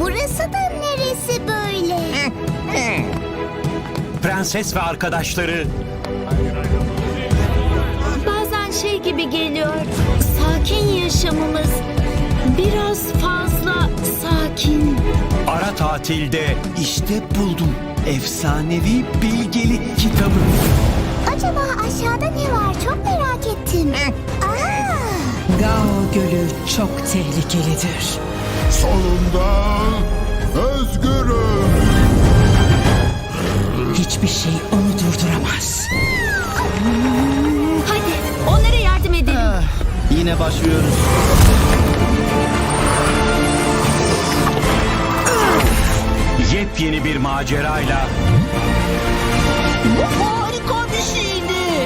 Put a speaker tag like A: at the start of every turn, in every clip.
A: Burası da neresi böyle?
B: Prenses ve arkadaşları
A: Bazen şey gibi geliyor. Sakin yaşamımız biraz fazla sakin.
B: ara tatilde
C: İşte buldum. Efsanevi bilgelik kitabı.
A: Acaba aşağıda ne var? Çok merak ettim.
D: Gao Gölü çok tehlikelidir.
E: Sonunda özgürüm.
D: Hiçbir şey onu durduramaz.
A: Hadi onlara yardım edelim.
C: Yine başlıyoruz.
B: yepyeni bir macerayla
C: Bu harika bir şeydi.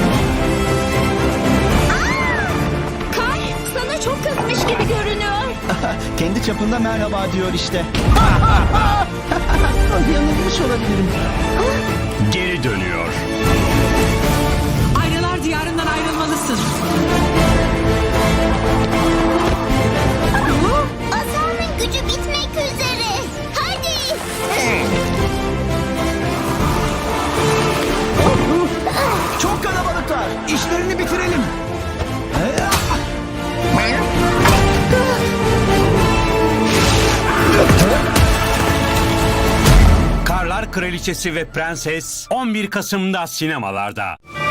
A: Kay sana çok kızmış gibi görünüyor.
C: Kendi çapında merhaba diyor işte. Yanılmış olabilirim.
B: geri dönüyor.
D: Aynalar diyarından ayrılmalısın.
A: Asanın gücü bitmek üzere. Hadi.
C: Çok kalabalıklar. İşlerini bitirelim.
B: Karlar Kraliçesi ve Prenses 11 Kasım'da sinemalarda.